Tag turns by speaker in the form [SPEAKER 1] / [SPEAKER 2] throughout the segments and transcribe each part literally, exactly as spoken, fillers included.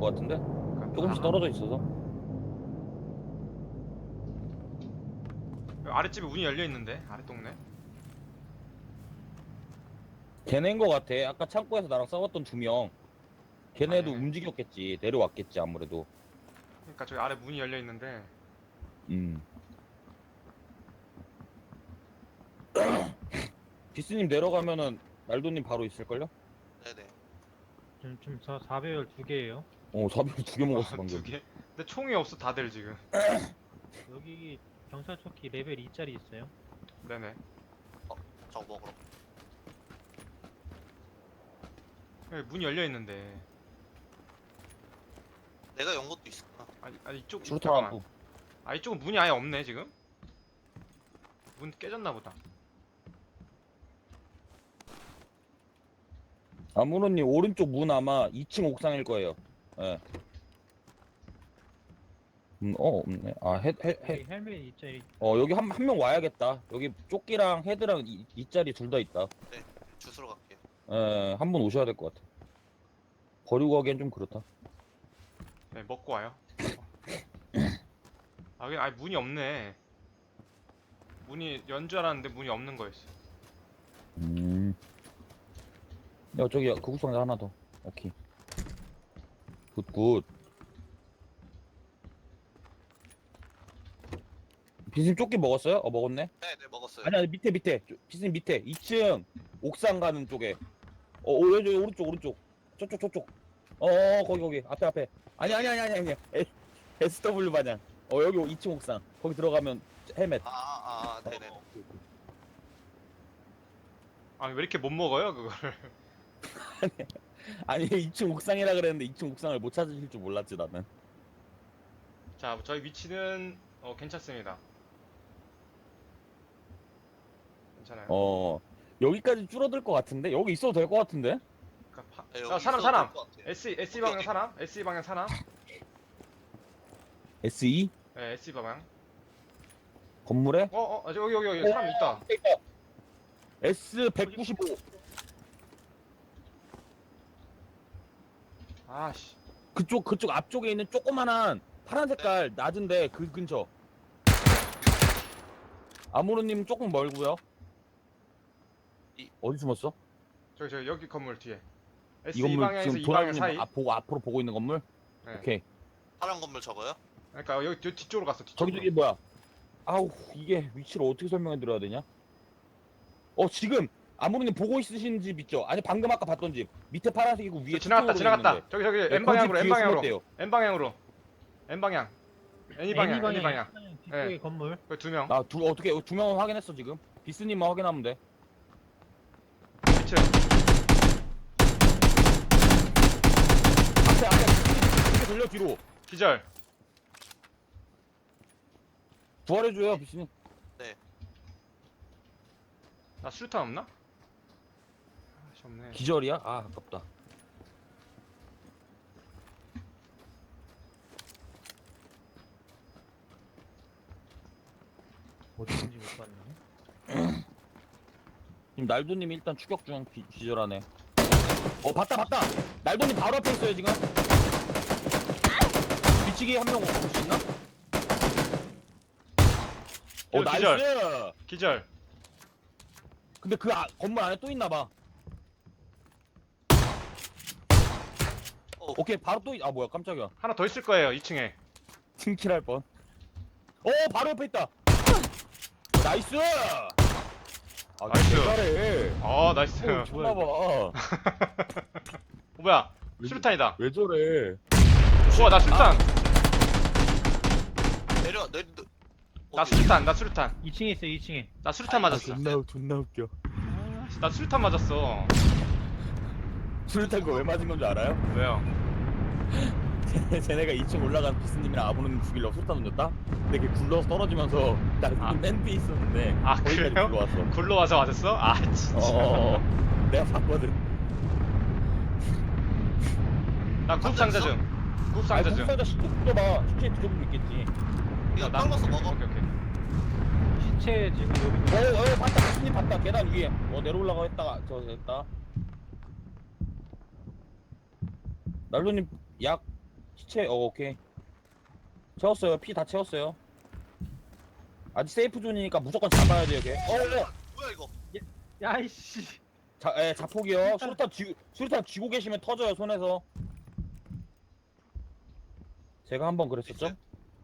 [SPEAKER 1] 것 같은데? 조금씩
[SPEAKER 2] 아,
[SPEAKER 1] 떨어져 있어서.
[SPEAKER 2] 아랫집에 문이 열려 있는데 아랫 동네.
[SPEAKER 1] 걔네인 것 같아. 아까 창고에서 나랑 싸웠던 두 명.
[SPEAKER 2] 아
[SPEAKER 1] 걔네도
[SPEAKER 2] 얘네.
[SPEAKER 1] 움직였겠지. 내려왔겠지 아무래도.
[SPEAKER 2] 그러니까 저기 아래 문이 열려 있는데.
[SPEAKER 1] 음. 비스님 내려가면은 날도님 바로 있을걸요?
[SPEAKER 3] 네네.
[SPEAKER 4] 지금 지금 사 사배열 두 개예요.
[SPEAKER 1] 어, 사비를 두 개 먹었어
[SPEAKER 2] 아, 두
[SPEAKER 1] 방금.
[SPEAKER 2] 개. 근데 총이 없어 다들 지금.
[SPEAKER 4] 여기 경찰초키 레벨 이짜리 있어요.
[SPEAKER 2] 네네.
[SPEAKER 3] 저거 먹으러.
[SPEAKER 2] 여기 문이 열려 있는데.
[SPEAKER 3] 내가 연 것도 있었구나.
[SPEAKER 2] 아, 아 이쪽
[SPEAKER 1] 수류탄
[SPEAKER 2] 잠깐만.
[SPEAKER 1] 갖고.
[SPEAKER 2] 아 이쪽은 문이 아예 없네 지금. 문 깨졌나 보다.
[SPEAKER 1] 아무로님 오른쪽 문 아마 이 층 옥상일 거예요. 예. 음, 어, 없네. 아, 헤, 헤, 헤.
[SPEAKER 4] 여기 헬멧 이짜리.
[SPEAKER 1] 어, 여기 한, 한 명 와야겠다. 여기 조끼랑 헤드랑 이, 이 자리 둘 다 있다.
[SPEAKER 3] 주스러 갈게요.
[SPEAKER 1] 예, 한 분 오셔야 될 것 같아. 버리고 가기엔 좀 그렇다.
[SPEAKER 2] 네 먹고 와요. 아 여기 아예 문이 없네. 문이 연 줄 알았는데 문이 없는 거였어.
[SPEAKER 1] 음. 야, 저기 구급상자 하나 더. 오케이. 굿, 굿. 비스님 조끼 먹었어요? 어, 먹었네?
[SPEAKER 3] 네네 먹었어요.
[SPEAKER 1] 아니, 아니, 밑에, 밑에. 저- 비스님 밑에. 이 층 옥상 가는 쪽에. 어, 오, 여기, 오른쪽, 오른쪽. 저쪽, 저쪽. 어, 어, 거기, 거기. 앞에, 앞에. 아니, 아니, 아니, 아니, 아니. 에, 에스더블유 반향. 어, 여기 이 층 옥상. 거기 들어가면 헬멧.
[SPEAKER 3] 아아 아, 아, 네네.
[SPEAKER 1] 어, 오케이, 오케이.
[SPEAKER 2] 아 왜 이렇게 못 먹어요 그거를?
[SPEAKER 1] 아니, 이 층 옥상이라 그랬는데 이 층 옥상을 못 찾으실 줄 몰랐지, 나는.
[SPEAKER 2] 자 저희 위치는 어 괜찮습니다. 괜찮아요.
[SPEAKER 1] 어, 여기까지 줄어들 것 같은데? 여기 있어도 될 것 같은데?
[SPEAKER 2] 그러니까 파...
[SPEAKER 3] 네,
[SPEAKER 2] 아,
[SPEAKER 3] 여기
[SPEAKER 2] 사람
[SPEAKER 3] 있어도
[SPEAKER 2] 사람.
[SPEAKER 3] 될것 같아요.
[SPEAKER 2] S S
[SPEAKER 3] 오케이,
[SPEAKER 2] 방향
[SPEAKER 3] 오케이.
[SPEAKER 2] 사람. S 방향 사람.
[SPEAKER 1] 에스이?
[SPEAKER 2] 네 S 방향.
[SPEAKER 1] 건물에?
[SPEAKER 2] 어어 어, 여기 여기 여기 사람 있다.
[SPEAKER 1] 에스 백구십오.
[SPEAKER 2] 아씨.
[SPEAKER 1] 그쪽, 그쪽 앞쪽에 있는 조그만한 파란 색깔 낮은데 그 근처. 아무로님 조금 멀고요.
[SPEAKER 3] 이-
[SPEAKER 1] 어디 숨었어?
[SPEAKER 2] 저기 저기 여기 건물 뒤에. S
[SPEAKER 1] 이
[SPEAKER 2] 이
[SPEAKER 1] 건물
[SPEAKER 2] 방향에서
[SPEAKER 1] 지금
[SPEAKER 2] 이 방향
[SPEAKER 1] 도라님
[SPEAKER 2] 사이.
[SPEAKER 1] 앞 보고 앞으로 보고 있는 건물?
[SPEAKER 2] 네.
[SPEAKER 1] 오케이.
[SPEAKER 3] 파란 건물 저거요?
[SPEAKER 2] 그러니까 여기 뒤- 뒤쪽으로 갔어.
[SPEAKER 1] 저기
[SPEAKER 2] 뒤쪽으로.
[SPEAKER 1] 저기 뭐야? 아우 이게 위치를 어떻게 설명해 드려야 되냐? 어 지금 아무로님 보고 있으신 집 있죠? 아니 방금 아까 봤던 집 밑에 파란색이고 위에
[SPEAKER 2] 저 지나갔다
[SPEAKER 1] 투명으로
[SPEAKER 2] 지나갔다.
[SPEAKER 1] 있는데.
[SPEAKER 2] 저기 저기
[SPEAKER 1] 네,
[SPEAKER 2] N 방향으로
[SPEAKER 1] 그 집
[SPEAKER 2] N
[SPEAKER 1] 뒤에
[SPEAKER 2] 방향으로
[SPEAKER 1] 숨었대요.
[SPEAKER 2] N 방향으로 N 방향. N 방향 N 방향.
[SPEAKER 4] 뒤쪽에
[SPEAKER 2] 네.
[SPEAKER 4] 건물.
[SPEAKER 2] 그 두 명.
[SPEAKER 1] 아두 어떻게 두 명은 확인했어 지금. 비스님만 확인하면 돼.
[SPEAKER 2] 위치.
[SPEAKER 1] 앞에 앞에 이렇게 돌려 뒤로.
[SPEAKER 2] 기절.
[SPEAKER 1] 부활해줘요 비스님.
[SPEAKER 2] 나 수류탄 없나? 아씨 없네.
[SPEAKER 1] 기절이야? 아 아깝다.
[SPEAKER 4] 어디인지 못 봤네.
[SPEAKER 1] 지금 날도님이 일단 추격 중 기, 기절하네. 어 봤다 봤다. 날도님 바로 앞에 있어요 지금. 뒤치기 한 명 올 수 있나? 어
[SPEAKER 2] 여기
[SPEAKER 1] 나이스.
[SPEAKER 2] 기절. 기절.
[SPEAKER 1] 근데 그 아, 건물 안에 또 있나 봐.
[SPEAKER 3] 어.
[SPEAKER 1] 오케이 바로 또 아 뭐야 깜짝이야.
[SPEAKER 2] 하나 더 있을 거예요 이 층에.
[SPEAKER 1] 팀킬할 뻔. 어 바로 옆에 있다. 어, 나이스. 아
[SPEAKER 2] 나이스.
[SPEAKER 1] 잘해.
[SPEAKER 2] 아 나이스.
[SPEAKER 1] 어, 좋나봐.
[SPEAKER 2] 어, 뭐야? 수류탄이다.
[SPEAKER 1] 왜 저래?
[SPEAKER 2] 우와 나 수류탄.
[SPEAKER 3] 내려 내려.
[SPEAKER 2] 나
[SPEAKER 3] 어디?
[SPEAKER 2] 수류탄. 나 수류탄.
[SPEAKER 4] 이 층에 있어요. 이 층에.
[SPEAKER 2] 나 수류탄 맞았어.
[SPEAKER 1] 존나 존나 웃겨.
[SPEAKER 2] 아씨, 나 수류탄 맞았어.
[SPEAKER 1] 수류탄 거 왜 맞은 건 줄 알아요?
[SPEAKER 2] 왜요?
[SPEAKER 1] 쟤네가 이 층 올라간 비스님이랑 아버님 죽이려고 수류탄 던졌다? 근데 그게 굴러서 떨어지면서 나
[SPEAKER 2] 아.
[SPEAKER 1] 맨 뒤에 있었는데
[SPEAKER 2] 아,
[SPEAKER 1] 거기까지
[SPEAKER 2] 그래요?
[SPEAKER 1] 굴러왔어.
[SPEAKER 2] 굴러와서 맞았어? 아 진짜.
[SPEAKER 1] 어어어. 내가 봤거든.
[SPEAKER 2] 나 구급상자 중.
[SPEAKER 1] 아,
[SPEAKER 2] 구급상자 중.
[SPEAKER 1] 국사자 시체 뜯어봐. 시체 뒤져보면 있겠지.
[SPEAKER 3] 이거
[SPEAKER 2] 나-
[SPEAKER 3] 떨궈서 먹어.
[SPEAKER 2] 오케이 오케이.
[SPEAKER 4] 시체 지금 여기.
[SPEAKER 1] 어, 어, 봤다. 비스님 봤다. 계단 위에. 어, 내려 올라가 했다가 저 됐다. 날로님 약 시체, 어, 오케이. 채웠어요. 피 다 채웠어요. 아직 세이프 존이니까 무조건 잡아야 돼요, 걔. 어, 어.
[SPEAKER 3] 뭐야 이거?
[SPEAKER 4] 야이씨.
[SPEAKER 1] 자, 예, 자폭이요. 수류탄 쥐, 수류탄 쥐고 계시면 터져요, 손에서. 제가 한번 그랬었죠?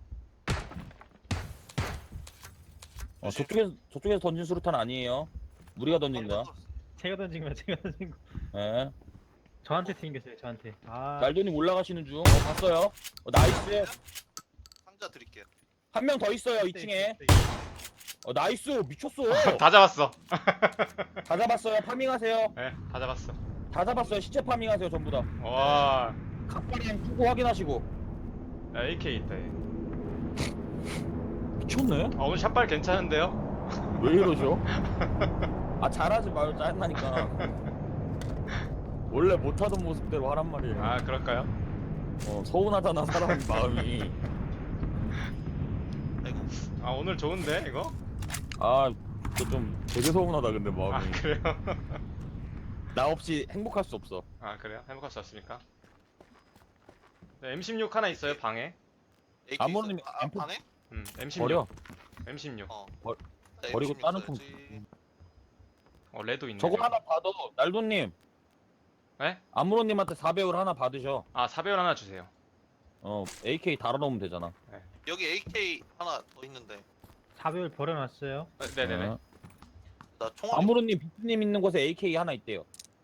[SPEAKER 1] 어, 저쪽에서, 저쪽에서 던진 수류탄 아니에요. 우리가 던진 거야.
[SPEAKER 4] 제가 던진 거야. 제가 던진 거.
[SPEAKER 1] 예.
[SPEAKER 4] 저한테 튕겼어요. 저한테. 아.
[SPEAKER 1] 날돈이 올라가시는 중. 어, 봤어요. 어, 나이스.
[SPEAKER 3] 상자 드릴게요.
[SPEAKER 1] 한 명 더 있어요, 이
[SPEAKER 4] 있어요,
[SPEAKER 1] 층에.
[SPEAKER 4] 있어요, 있어요.
[SPEAKER 1] 어, 나이스. 미쳤어.
[SPEAKER 2] 다 잡았어.
[SPEAKER 1] 다 잡았어요. 파밍하세요.
[SPEAKER 2] 네, 다 잡았어.
[SPEAKER 1] 다 잡았어요. 시체 파밍하세요, 전부 다.
[SPEAKER 2] 와,
[SPEAKER 1] 각발이랑 끄고 확인하시고.
[SPEAKER 2] 야, 에이케이 있다. 얘.
[SPEAKER 1] 미쳤네.
[SPEAKER 2] 아, 오늘 샷발 괜찮은데요?
[SPEAKER 1] 왜 이러죠? 아, 잘하지 마요. 짜증나니까. 원래 못하던 모습대로 하란 말이에요.
[SPEAKER 2] 아, 그럴까요?
[SPEAKER 1] 어, 서운하잖아, 사람 마음이.
[SPEAKER 3] 아이고.
[SPEAKER 2] 아, 오늘 좋은데 이거?
[SPEAKER 1] 아, 진짜 좀 되게 서운하다, 근데
[SPEAKER 2] 아,
[SPEAKER 1] 마음이.
[SPEAKER 2] 그래요?
[SPEAKER 1] 나 없이 행복할 수 없어.
[SPEAKER 2] 아, 그래요? 행복할 수 없습니까? 네, 엠 십육 하나 있어요 방에.
[SPEAKER 3] 에이케이
[SPEAKER 1] 아무런
[SPEAKER 3] 있어요? 아,
[SPEAKER 1] 엠프-
[SPEAKER 3] 반에?
[SPEAKER 2] 음, 엠 십육.
[SPEAKER 1] 버려.
[SPEAKER 2] 엠 십육.
[SPEAKER 3] 어.
[SPEAKER 1] 버-
[SPEAKER 3] 나
[SPEAKER 1] 버리고
[SPEAKER 3] 엠십육
[SPEAKER 1] 다른 품.
[SPEAKER 3] 써야지.
[SPEAKER 2] 어, 레도 있네.
[SPEAKER 1] 저거
[SPEAKER 2] 여기.
[SPEAKER 1] 하나 받아. 날도님.
[SPEAKER 2] 네?
[SPEAKER 1] 아무로님한테 사 배율 하나 받으셔.
[SPEAKER 2] 아, 사배율 하나 주세요.
[SPEAKER 1] 어, 에이케이 달아놓으면 되잖아.
[SPEAKER 3] 여기 에이케이 하나 더 있는데.
[SPEAKER 4] 사배율 버려놨어요.
[SPEAKER 2] 네, 네네네.
[SPEAKER 1] 어.
[SPEAKER 3] 나 총알.
[SPEAKER 1] 아무로님, 비트님 있는 곳에 에이케이 하나 있대요.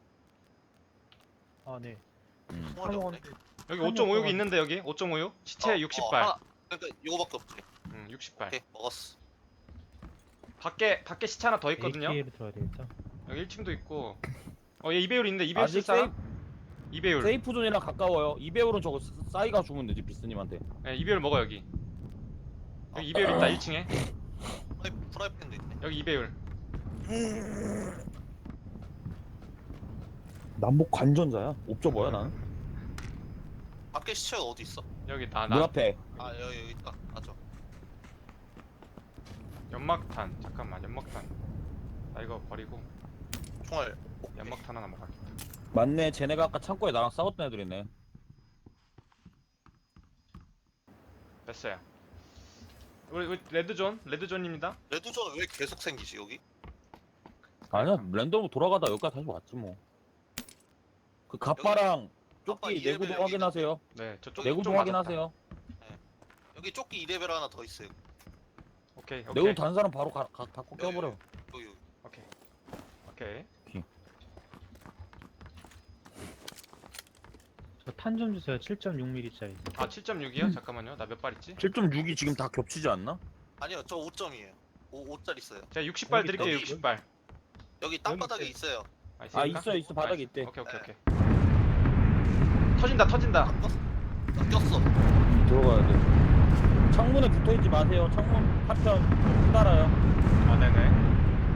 [SPEAKER 4] 아 네.
[SPEAKER 1] 음.
[SPEAKER 3] 총알이 없네.
[SPEAKER 2] 여기
[SPEAKER 4] 한
[SPEAKER 2] 오 점 오 육
[SPEAKER 4] 명
[SPEAKER 2] 있는데 여기 오 점 오 육 시체
[SPEAKER 3] 어,
[SPEAKER 2] 육십
[SPEAKER 3] 어,
[SPEAKER 2] 발.
[SPEAKER 3] 하나. 그러니까 이거밖에 없지.
[SPEAKER 2] 음, 육십 발.
[SPEAKER 3] 오케이 먹었어.
[SPEAKER 2] 밖에 밖에 시체 하나 더 있거든요.
[SPEAKER 4] 에이케이로 들어야 되겠다.
[SPEAKER 2] 여기 일 층도 있고. 어, 얘 이 배율 있는데 이 배율
[SPEAKER 1] 아직
[SPEAKER 2] 쓸 사람? 이 배율.
[SPEAKER 1] 세이프 존이랑 가까워요. 이 배율은 저거 스- 싸이가 주면 되지, 비스님한테.
[SPEAKER 2] 네, 이 배율 먹어 여기. 여기 이 배율 있다 일 층에.
[SPEAKER 3] 프라이, 프라이팬도 있네.
[SPEAKER 2] 여기 이 배율.
[SPEAKER 1] 남북 관전자야. 옵저 뭐야, 나는?
[SPEAKER 3] 밖에 시체가 어디 있어?
[SPEAKER 2] 여기 나
[SPEAKER 1] 문
[SPEAKER 2] 나.
[SPEAKER 1] 앞에.
[SPEAKER 3] 아 여기 여기 있다. 맞아.
[SPEAKER 2] 연막탄. 잠깐만 연막탄. 나 이거 버리고
[SPEAKER 3] 총알.
[SPEAKER 2] 연막탄 하나 먹어야겠다.
[SPEAKER 1] 맞네, 쟤네가 아까 창고에 나랑 싸웠던 애들이네.
[SPEAKER 2] 됐어요. 우리, 우리 레드존 레드존입니다.
[SPEAKER 3] 레드존 왜 계속 생기지 여기?
[SPEAKER 1] 아니야, 랜덤으로 돌아가다 여기까지 다시 왔지 뭐. 그 갑바랑
[SPEAKER 3] 갑바
[SPEAKER 1] 조끼
[SPEAKER 3] 이 레벨
[SPEAKER 1] 내구도
[SPEAKER 3] 여기
[SPEAKER 1] 확인하세요.
[SPEAKER 2] 네, 저쪽
[SPEAKER 3] 내구
[SPEAKER 1] 내구도
[SPEAKER 2] 쪽 맞았다.
[SPEAKER 1] 확인하세요.
[SPEAKER 3] 여기 조끼 이 레벨 하나 더 있어요.
[SPEAKER 2] 오케이 오케이
[SPEAKER 1] 내구도 단 사람 바로 가, 가, 갖고
[SPEAKER 3] 여기,
[SPEAKER 1] 껴버려.
[SPEAKER 3] 여기 여기.
[SPEAKER 2] 오케이 오케이.
[SPEAKER 4] 저 탄 좀 주세요. 칠 점 육 밀리미터짜리.
[SPEAKER 2] 아 칠 점 육이요? 잠깐만요. 나 몇 발 있지?
[SPEAKER 1] 칠 점 육이 지금 다 겹치지 않나?
[SPEAKER 3] 아니요 저 오 점이에요. 오, 오 짤 있어요.
[SPEAKER 2] 제가 육십 발
[SPEAKER 4] 여기
[SPEAKER 2] 드릴게요.
[SPEAKER 3] 여기
[SPEAKER 2] 육십 발.
[SPEAKER 3] 여기 땅바닥에
[SPEAKER 4] 여기
[SPEAKER 3] 있어요.
[SPEAKER 2] 아,
[SPEAKER 1] 아,
[SPEAKER 2] 있습니까?
[SPEAKER 1] 있어, 있어. 바닥에
[SPEAKER 2] 아,
[SPEAKER 1] 있대.
[SPEAKER 2] 오케이 오케이
[SPEAKER 3] 네.
[SPEAKER 2] 오케이. 터진다 터진다.
[SPEAKER 3] 안 꼈어? 안 꼈어.
[SPEAKER 1] 들어가야 돼. 창문에 붙어있지 마세요. 창문 파편 달아요.
[SPEAKER 2] 아 네네.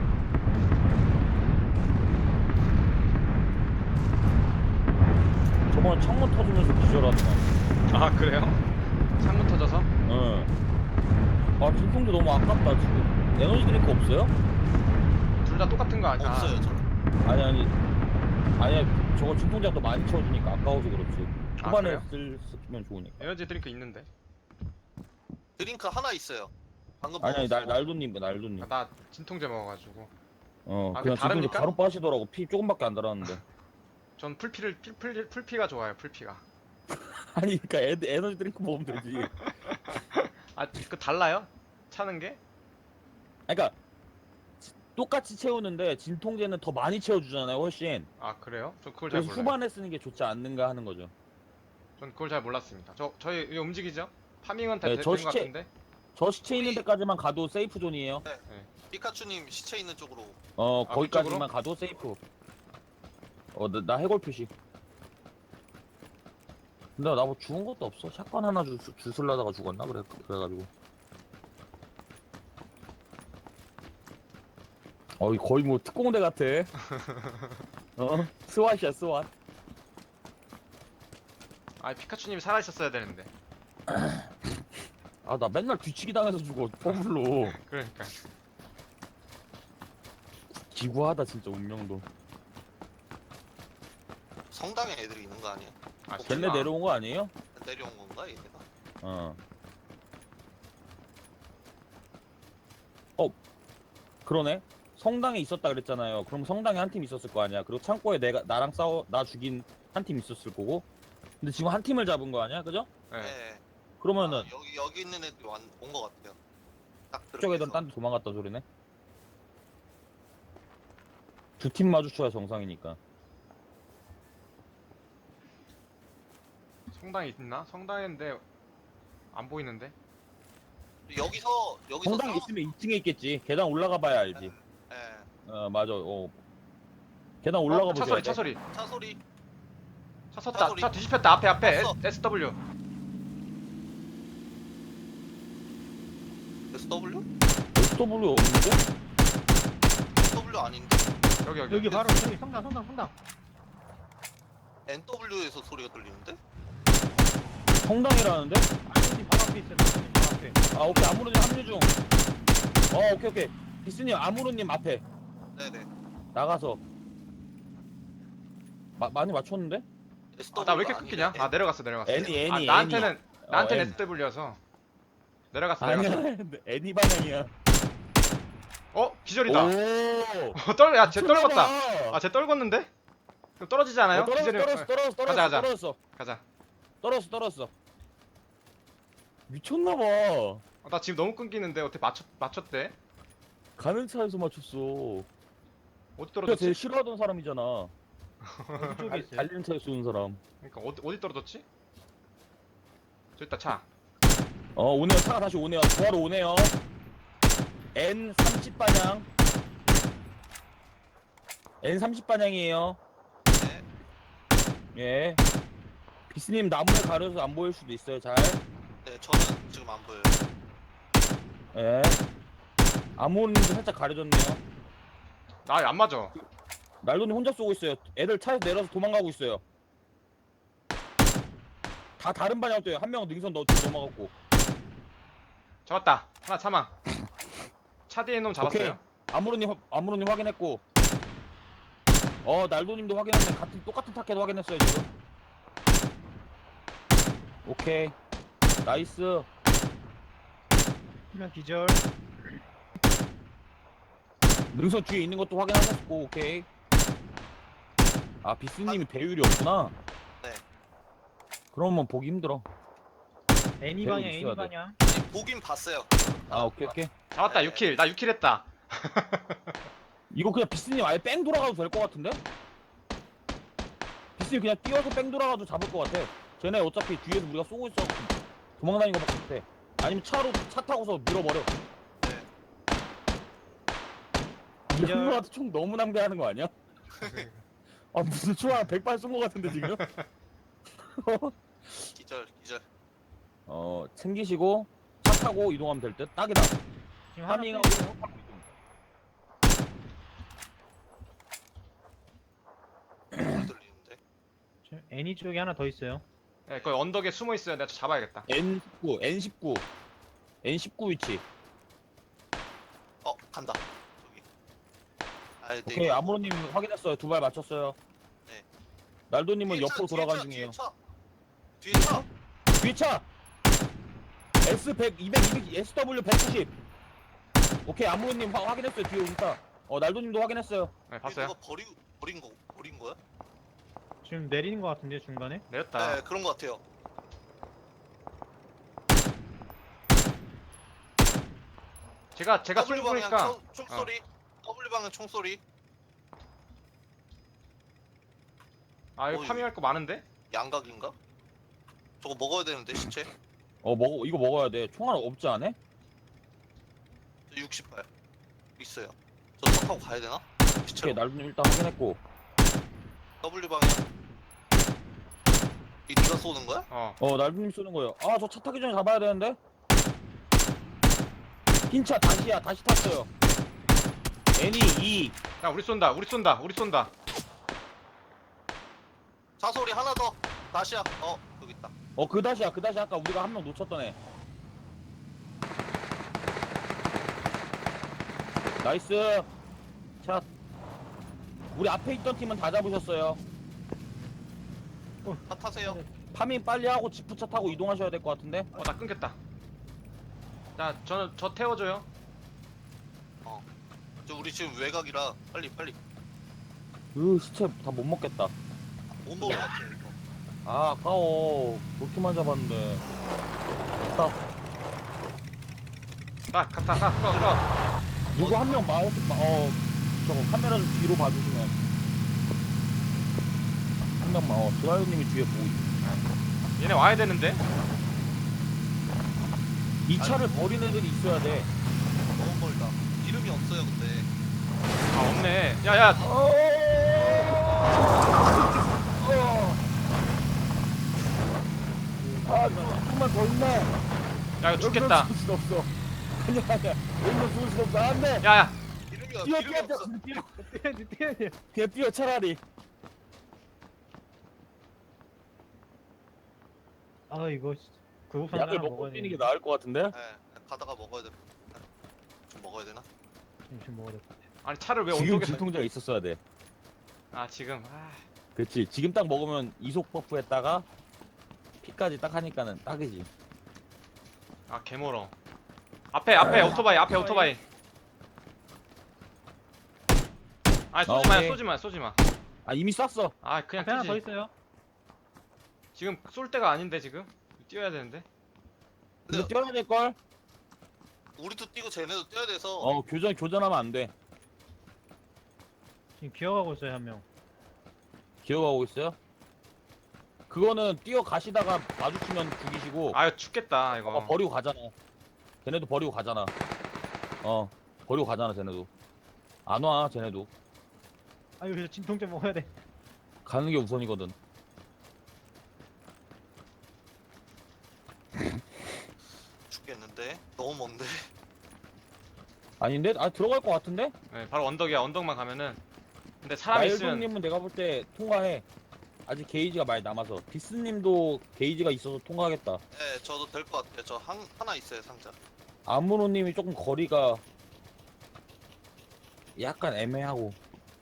[SPEAKER 1] 저번에 창문 터지면서 기절하더만.
[SPEAKER 2] 아 그래요? 창문 터져서?
[SPEAKER 1] 응. 아, 진통제 너무 아깝다, 지금. 에너지 드링크 없어요?
[SPEAKER 2] 둘 다 똑같은 거 아니야?
[SPEAKER 3] 없어요 저.
[SPEAKER 1] 아니, 아니. 아니야, 저거 진통제가 더 많이 채워주니까 아까워서 그렇지.
[SPEAKER 2] 아,
[SPEAKER 1] 초반에
[SPEAKER 2] 그래요?
[SPEAKER 1] 쓸, 쓰면 좋으니까.
[SPEAKER 2] 에너지 드링크 있는데.
[SPEAKER 3] 드링크 하나 있어요. 방금
[SPEAKER 1] 아니, 아니, 날,
[SPEAKER 3] 먹었어.
[SPEAKER 1] 날도님, 날도님.
[SPEAKER 2] 아, 나 진통제 먹어가지고.
[SPEAKER 1] 어,
[SPEAKER 2] 아,
[SPEAKER 1] 그냥
[SPEAKER 2] 그 다릅니까?
[SPEAKER 1] 진통제 바로 빠시더라고. 피 조금밖에 안 달았는데.
[SPEAKER 2] 전 풀피를 풀, 풀, 풀피가 좋아요. 풀피가.
[SPEAKER 1] 아니, 그니까 에, 에너지 드링크 먹으면 되지.
[SPEAKER 2] 아 그 달라요? 차는 게?
[SPEAKER 1] 그러니까 똑같이 채우는데 진통제는 더 많이 채워주잖아요, 훨씬.
[SPEAKER 2] 아 그래요? 전 그걸 잘
[SPEAKER 1] 그래서
[SPEAKER 2] 몰라요.
[SPEAKER 1] 후반에 쓰는 게 좋지 않는가 하는 거죠.
[SPEAKER 2] 전 그걸 잘 몰랐습니다. 저 저희 이거 움직이죠? 파밍은 다
[SPEAKER 1] 네,
[SPEAKER 2] 되-
[SPEAKER 1] 저
[SPEAKER 2] 된것
[SPEAKER 1] 시체-
[SPEAKER 2] 같은데.
[SPEAKER 1] 저 시체 있는
[SPEAKER 3] 우리-
[SPEAKER 1] 데까지만 가도 세이프 존이에요.
[SPEAKER 3] 피카츄님 시체 있는 쪽으로.
[SPEAKER 1] 어,
[SPEAKER 2] 아,
[SPEAKER 1] 거기까지만
[SPEAKER 2] 그쪽으로?
[SPEAKER 1] 가도 세이프. 어, 나, 나 해골 표시. 근데 나 뭐 죽은 것도 없어. 샷건 하나 주, 주술라다가 죽었나? 그래, 그래가지고. 어, 거의 뭐 특공대 같아. 어, 스왓이야, 스왓.
[SPEAKER 2] 아 피카츄님이 살아 있었어야 되는데.
[SPEAKER 1] 아, 나 맨날 뒤치기 당해서 죽어, 퍼블로.
[SPEAKER 2] 그러니까.
[SPEAKER 1] 기구하다, 진짜, 운명도.
[SPEAKER 3] 성당에 애들이 있는 거 아니야?
[SPEAKER 2] 아
[SPEAKER 1] 걔네
[SPEAKER 2] 설마.
[SPEAKER 1] 내려온 거 아니에요?
[SPEAKER 3] 내려온 건가 얘가?
[SPEAKER 1] 어. 어, 그러네. 성당에 있었다 그랬잖아요. 그럼 성당에 한 팀 있었을 거 아니야. 그리고 창고에 내가 나랑 싸워 나 죽인 한 팀 있었을 거고. 근데 지금 한 팀을 잡은 거 아니야, 그죠?
[SPEAKER 2] 네.
[SPEAKER 3] 네.
[SPEAKER 1] 그러면은
[SPEAKER 3] 아, 여기 여기 있는 애들이 온거 같아요. 딱
[SPEAKER 1] 그쪽 애들
[SPEAKER 3] 들어가서.
[SPEAKER 1] 딴 데 도망갔다 소리네. 두 팀 마주쳐야 정상이니까.
[SPEAKER 2] 성당이 있나? 성당인데 안 보이는데.
[SPEAKER 3] 여기서 여기서
[SPEAKER 1] 성당에
[SPEAKER 3] 싸워-
[SPEAKER 1] 있으면 이 층에 있겠지. 계단 올라가 봐야 알지.
[SPEAKER 3] 예.
[SPEAKER 1] 어, 맞아. 어. 계단 올라가
[SPEAKER 2] 어,
[SPEAKER 1] 보자.
[SPEAKER 2] 차 소리 차 소리.
[SPEAKER 3] 차 소리.
[SPEAKER 2] 차 섰다.
[SPEAKER 3] 차 소리.
[SPEAKER 2] 차 뒤집혔다. 앞에 앞에
[SPEAKER 3] 봤어.
[SPEAKER 2] 에스 더블유.
[SPEAKER 3] 에스더블유?
[SPEAKER 1] 에스더블유 없는데?
[SPEAKER 3] 에스더블유 아닌데?
[SPEAKER 2] 여기 여기.
[SPEAKER 4] 여기 바로 여기 성당 성당 성당.
[SPEAKER 3] 엔더블유에서 소리가 들리는데?
[SPEAKER 1] 성당이라는데?
[SPEAKER 4] 안전이 바로 앞에 있어요. 안전이 바로 앞에.
[SPEAKER 1] 아, 오케이. 아무로님 합류 중. 어, 오케이, 오케이. 비스님, 아무로님 앞에
[SPEAKER 3] 네네.
[SPEAKER 1] 나가서. 마, 많이 맞췄는데?
[SPEAKER 3] 에스더블유
[SPEAKER 2] 아, 나 왜 이렇게 끊기냐? 아 내려갔어 내려갔어.
[SPEAKER 1] 애니, 애니,
[SPEAKER 2] 아
[SPEAKER 1] 애니.
[SPEAKER 2] 나한테는 나한테는
[SPEAKER 1] 어, 애니.
[SPEAKER 2] 에스더블유여서 내려갔어 내려갔어.
[SPEAKER 1] 아니야. 애니 방향이야.
[SPEAKER 2] 어 기절이다.
[SPEAKER 1] 오.
[SPEAKER 2] 떨, 야, 쟤 떨궜다.
[SPEAKER 1] 미쳤나봐.
[SPEAKER 2] 아, 쟤 떨궜는데? 그럼 떨어지지 않아요?
[SPEAKER 1] 어, 떨어졌어,
[SPEAKER 2] 기절이-
[SPEAKER 1] 떨어졌어,
[SPEAKER 2] 어,
[SPEAKER 1] 떨어졌어, 떨어졌어,
[SPEAKER 2] 가자, 가자.
[SPEAKER 1] 떨어졌어,
[SPEAKER 2] 가자.
[SPEAKER 1] 떨어졌어, 떨어졌어. 미쳤나봐.
[SPEAKER 2] 어, 나 지금 너무 끊기는데 어떻게 맞췄 맞췄대?
[SPEAKER 1] 가는 차에서 맞췄어.
[SPEAKER 2] 어디
[SPEAKER 1] 그러니까
[SPEAKER 2] 떨어졌지?
[SPEAKER 1] 제일 싫어하던 사람이잖아.
[SPEAKER 4] 어디 쪽에
[SPEAKER 1] 달-
[SPEAKER 4] 있어요?
[SPEAKER 1] 달리는 차에 쏘는 사람.
[SPEAKER 2] 그러니까 어디 어디 떨어졌지? 저 있다 차.
[SPEAKER 1] 어, 오네요. 차가 다시 오네요. 구하러 오네요. 엔 삼십 방향. 엔 삼십 방향이에요.
[SPEAKER 3] 네.
[SPEAKER 1] 예. 비스님 나무에 가려서 안 보일 수도 있어요. 잘.
[SPEAKER 3] 네, 저는 지금 안 보여요.
[SPEAKER 1] 예. 아무님도 살짝 가려졌네요.
[SPEAKER 2] 나 안 맞아.
[SPEAKER 1] 날도님 혼자 쏘고 있어요. 애들 차에서 내려서 도망가고 있어요. 다 다른 방향 떠요. 한 명은 능선 넣어 넘어갔고.
[SPEAKER 2] 잡았다. 하나 사망. 차 뒤에 놈 잡았어요.
[SPEAKER 1] 아무로님 확- 아무로님 확인했고. 어 날도님도 확인했네. 같은 똑같은 타켓 확인했어요 지금. 오케이. 나이스.
[SPEAKER 4] 그냥 기절.
[SPEAKER 1] 능선 뒤에 있는 것도 확인하셨고. 오케이. 아 비스님이 배율이 없구나.
[SPEAKER 3] 네.
[SPEAKER 1] 그러면 보기 힘들어.
[SPEAKER 4] 애니
[SPEAKER 1] 배율
[SPEAKER 4] 방향
[SPEAKER 1] 있어야
[SPEAKER 4] 애니
[SPEAKER 1] 돼.
[SPEAKER 4] 방향.
[SPEAKER 3] 아니, 보긴 봤어요.
[SPEAKER 1] 아 오케이 오케이.
[SPEAKER 2] 잡았다.
[SPEAKER 3] 네.
[SPEAKER 2] 육 킬. 나 육 킬 했다.
[SPEAKER 1] 이거 그냥 비스님 아예 뺑 돌아가도 될 것 같은데? 비스님 그냥 뛰어서 뺑 돌아가도 잡을 것 같아. 쟤네 어차피 뒤에서 우리가 쏘고 있어. 도망다니는 것 같아. 아니면 차로 차 타고서 밀어버려.
[SPEAKER 3] 네.
[SPEAKER 1] 이 형님한테 총 너무 낭비하는 거 아니야? 아 무슨 총 한 백 발 쏜 것 같은데 지금?
[SPEAKER 3] 기절, 기절.
[SPEAKER 1] 어 챙기시고 차 타고 이동하면 될 듯. 딱이다.
[SPEAKER 4] 지금 하나
[SPEAKER 1] 파밍하고
[SPEAKER 4] 빼-
[SPEAKER 3] 소리 들리는데.
[SPEAKER 4] 지금 애니 쪽에 하나 더 있어요.
[SPEAKER 2] 네, 거기 언덕에 숨어 있어요. 내가 저 잡아야겠다.
[SPEAKER 1] 엔 십구, 엔 십구, 엔 십구 위치.
[SPEAKER 3] 어, 간다. 저기. 아, 네.
[SPEAKER 1] 오케이 아무로님 확인했어요. 두 발 맞췄어요.
[SPEAKER 3] 네.
[SPEAKER 1] 날도님은
[SPEAKER 3] 뒤에 차,
[SPEAKER 1] 옆으로
[SPEAKER 3] 뒤에
[SPEAKER 1] 돌아간
[SPEAKER 3] 차,
[SPEAKER 1] 중이에요.
[SPEAKER 3] 뒤에 차. 뒤에 차.
[SPEAKER 1] 뒤에 차. 에스 백, 이백, 이백, 에스더블유 백구십. 오케이 아무로님 확- 확인했어요. 뒤에 오니까. 어 날도님도 확인했어요.
[SPEAKER 2] 네,
[SPEAKER 3] 뒤에
[SPEAKER 2] 봤어요.
[SPEAKER 3] 누가 버리 버린 거 버린 거야?
[SPEAKER 4] 지금 내리는 것 같은데 중간에.
[SPEAKER 2] 내렸다.
[SPEAKER 3] 네, 그런 거 같아요.
[SPEAKER 2] 제가 제가 쏠
[SPEAKER 3] W 방향
[SPEAKER 2] 보니까
[SPEAKER 3] 총, 총소리. W 방향 총소리.
[SPEAKER 2] 아 이거
[SPEAKER 3] 어이.
[SPEAKER 2] 파밍할 거 많은데?
[SPEAKER 3] 양각인가? 저거 먹어야 되는데 시체.
[SPEAKER 1] 어 먹어 이거 먹어야 돼. 총알 없지 않아?
[SPEAKER 3] 저 육십 발 있어요. 저 차 타고 가야 되나? 시체.
[SPEAKER 1] 오케이 날도님 일단 확인했고.
[SPEAKER 3] W 방향. 이 네가 쏘는 거야?
[SPEAKER 2] 어.
[SPEAKER 1] 어 날도님 쏘는 거예요. 아 저 차 타기 전에 잡아야 되는데. 흰 차 다시야 다시 탔어요. 애니 이.
[SPEAKER 2] 야 우리 쏜다. 우리 쏜다. 우리 쏜다.
[SPEAKER 3] 차 소리 하나 더. 다시야. 어, 여기 있다.
[SPEAKER 1] 어 그 다시야 그 다시 아까 우리가 한 명 놓쳤던 애. 나이스. 자 우리 앞에 있던 팀은 다 잡으셨어요.
[SPEAKER 3] 차 타세요.
[SPEAKER 1] 파밍 빨리 하고 지프차 타고 이동하셔야 될 것 같은데.
[SPEAKER 2] 어 나 끊겼다. 자 저는 저 태워줘요.
[SPEAKER 3] 저 우리 지금 외곽이라 빨리 빨리
[SPEAKER 1] 으 시체 다 못 먹겠다.
[SPEAKER 3] 못 먹을 것 같아 이거.
[SPEAKER 1] 아 아까워. 그렇게만 잡았는데. 딱
[SPEAKER 2] 가 갔다 가가
[SPEAKER 1] 누구 한 명 마우 어 저거 카메라 좀 뒤로 봐주시면 한 명만 어 드라이버님이 뒤에 보고 있어.
[SPEAKER 2] 얘네 와야 되는데.
[SPEAKER 1] 이 차를 버린 애들이 있어야 돼.
[SPEAKER 3] 너무 멀다. 이름이 없어요 근데.
[SPEAKER 2] 아 없네. 야야
[SPEAKER 1] 어. 아 조금만 더 있네.
[SPEAKER 2] 야 이거 죽겠다.
[SPEAKER 1] 여기서 죽을 수 없어. 아니야 아니야. 여기서 죽을 수 없어. 안돼.
[SPEAKER 2] 야야
[SPEAKER 3] 이름이
[SPEAKER 1] 뛰어
[SPEAKER 3] 이름이
[SPEAKER 1] 뛰어
[SPEAKER 3] 없어.
[SPEAKER 1] 뛰어.
[SPEAKER 4] 뛰어야지 뛰어야지.
[SPEAKER 1] 그냥 뛰어 차라리.
[SPEAKER 4] 아 이거 구급상
[SPEAKER 1] 약을
[SPEAKER 4] 하나
[SPEAKER 1] 먹고
[SPEAKER 4] 먹어야
[SPEAKER 1] 뛰는 게
[SPEAKER 4] 돼.
[SPEAKER 1] 나을 것 같은데?
[SPEAKER 3] 네, 가다가 먹어야 돼. 좀 먹어야 되나?
[SPEAKER 4] 지금 먹어야 돼.
[SPEAKER 2] 아니 차를 왜
[SPEAKER 1] 지금
[SPEAKER 2] 언덕에
[SPEAKER 1] 진통제가 있었어야 돼.
[SPEAKER 2] 아 지금 아
[SPEAKER 1] 그렇지. 지금 딱 먹으면 이속 버프 했다가 피까지 딱 하니까는 딱이지.
[SPEAKER 2] 아 개멀어. 앞에 앞에 오토바이 앞에 오토바이. 아니 쏘지
[SPEAKER 1] 아,
[SPEAKER 2] 마
[SPEAKER 1] 오케이.
[SPEAKER 2] 쏘지 마 쏘지 마.
[SPEAKER 1] 아 이미 쐈어.
[SPEAKER 2] 아 그냥
[SPEAKER 4] 앞에 하나 더
[SPEAKER 2] 뛰지.
[SPEAKER 4] 있어요.
[SPEAKER 2] 지금 쏠 때가 아닌데 지금 뛰어야 되는데.
[SPEAKER 1] 근데 뛰어야 될 걸.
[SPEAKER 3] 우리도 뛰고 쟤네도 뛰어야 돼서.
[SPEAKER 1] 어 교전 교전하면 안 돼.
[SPEAKER 4] 지금 기어가고 있어요 한 명.
[SPEAKER 1] 기어가고 있어요? 그거는 뛰어 가시다가 마주치면 죽이시고.
[SPEAKER 2] 아 이거 죽겠다 이거.
[SPEAKER 1] 어, 버리고 가잖아. 쟤네도 버리고 가잖아. 어 버리고 가잖아 쟤네도. 안 와 쟤네도.
[SPEAKER 4] 아 이거 진통제 먹어야 돼.
[SPEAKER 1] 가는 게 우선이거든.
[SPEAKER 3] 죽겠는데. 너무 먼데.
[SPEAKER 1] 아닌데? 아 들어갈 것 같은데?
[SPEAKER 2] 네, 바로 언덕이야. 언덕만 가면은. 근데 사람 있으면
[SPEAKER 1] 나일동님은 내가 볼 때 통과해. 아직 게이지가 많이 남아서. 비스님도 게이지가 있어서 통과하겠다.
[SPEAKER 3] 네, 저도 될 것 같아요. 저 한, 하나 있어요 상자.
[SPEAKER 1] 아무로님이 조금 거리가 약간 애매하고.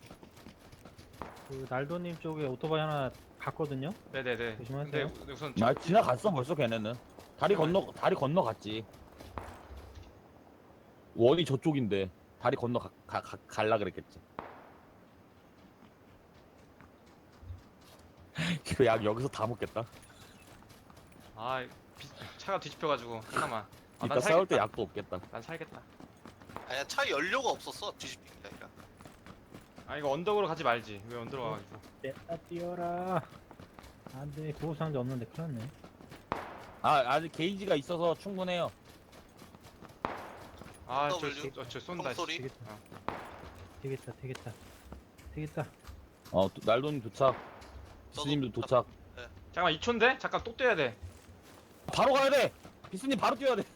[SPEAKER 4] 그 날도님 쪽에 오토바이 하나 갔거든요.
[SPEAKER 2] 네네네.
[SPEAKER 4] 조심하세요.
[SPEAKER 2] 근데 우- 우선
[SPEAKER 1] 나 지나갔어 벌써 걔네는. 다리 건너 다리 건너 갔지. 원이 저쪽인데 다리 건너 가, 가, 가, 갈라 그랬겠지. 약 여기서 다 먹겠다.
[SPEAKER 2] 아 비, 차가 뒤집혀가지고 잠깐만. 아,
[SPEAKER 1] 이따
[SPEAKER 2] 난
[SPEAKER 1] 싸울 때
[SPEAKER 2] 살겠다.
[SPEAKER 1] 약도 없겠다.
[SPEAKER 2] 난 살겠다.
[SPEAKER 3] 아니야 차 연료가 없었어. 뒤집힌 게 아니라.
[SPEAKER 2] 아 이거 언덕으로 가지 말지. 왜 언덕으로 가가지고.
[SPEAKER 4] 냈다 뛰어라. 안돼 구급상자 없는데 큰일났네.
[SPEAKER 1] 아 아직 게이지가 있어서 충분해요.
[SPEAKER 2] 아저
[SPEAKER 3] W.
[SPEAKER 2] 저, 저 쏜다. 씨.
[SPEAKER 3] 총소리.
[SPEAKER 4] 되겠다.
[SPEAKER 2] 어.
[SPEAKER 4] 되겠다 되겠다. 되겠다.
[SPEAKER 1] 어 또- 날돈 도착. 비스님도 도착.
[SPEAKER 2] 잠깐만 이 초인데? 잠깐 또 뛰어야 돼.
[SPEAKER 1] 바로 가야 돼. 비스님 바로 뛰어야 돼.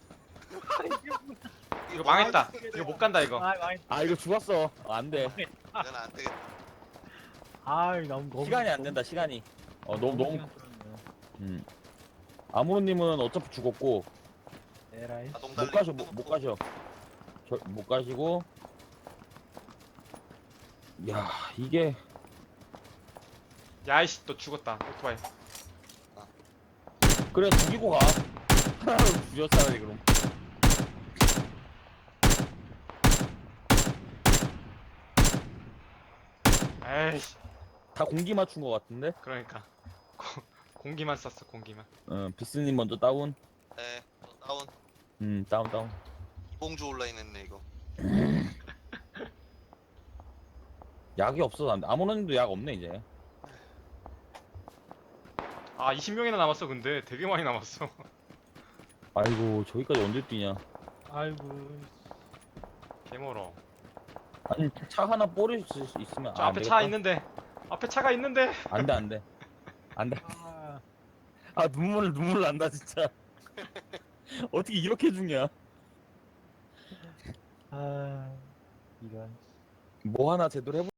[SPEAKER 2] 이거 망했다. 이거 못 간다 이거.
[SPEAKER 4] 아 망했.
[SPEAKER 1] 아 이거 죽었어. 어, 안 돼.
[SPEAKER 3] 이건 안 되겠다.
[SPEAKER 4] 아 너무 너무
[SPEAKER 1] 시간이 안 된다. 시간이. 어 너무 너무.
[SPEAKER 4] 시간 끌었네요.
[SPEAKER 1] 음. 아무로님은 어차피 죽었고
[SPEAKER 4] 에라이.
[SPEAKER 3] 자동
[SPEAKER 1] 못
[SPEAKER 3] 달리기
[SPEAKER 1] 가셔 못, 못 가셔. 저, 못 가시고. 야 이게
[SPEAKER 2] 야이씨 또 죽었다. 오토바이.
[SPEAKER 1] 그래 죽이고 가. 하나로 죽였잖아 그럼.
[SPEAKER 2] 에이씨.
[SPEAKER 1] 다 공기 맞춘 것 같은데?
[SPEAKER 2] 그러니까 고, 공기만 쐈어 공기만.
[SPEAKER 1] 어 비스님 먼저 다운.
[SPEAKER 3] 네, 저 다운.
[SPEAKER 1] 음 다운 다운.
[SPEAKER 3] 이봉주 온라인 했네 이거.
[SPEAKER 1] 약이 없어서 안 돼. 아무로님도 약 없네 이제.
[SPEAKER 2] 아 이십 명이나 남았어 근데 되게 많이 남았어.
[SPEAKER 1] 아이고 저기까지 언제 뛰냐.
[SPEAKER 4] 아이고.
[SPEAKER 2] 개멀어.
[SPEAKER 1] 아니 차 하나 뿌릴 수 있으면.
[SPEAKER 2] 저
[SPEAKER 1] 아,
[SPEAKER 2] 앞에 차 있는데. 앞에 차가 있는데.
[SPEAKER 1] 안돼 안돼. 안돼.
[SPEAKER 4] 아.
[SPEAKER 1] 아 눈물 눈물 난다 진짜. 어떻게 이렇게 죽냐?
[SPEAKER 4] 아. 이런.
[SPEAKER 1] 뭐 하나 제대로 해보.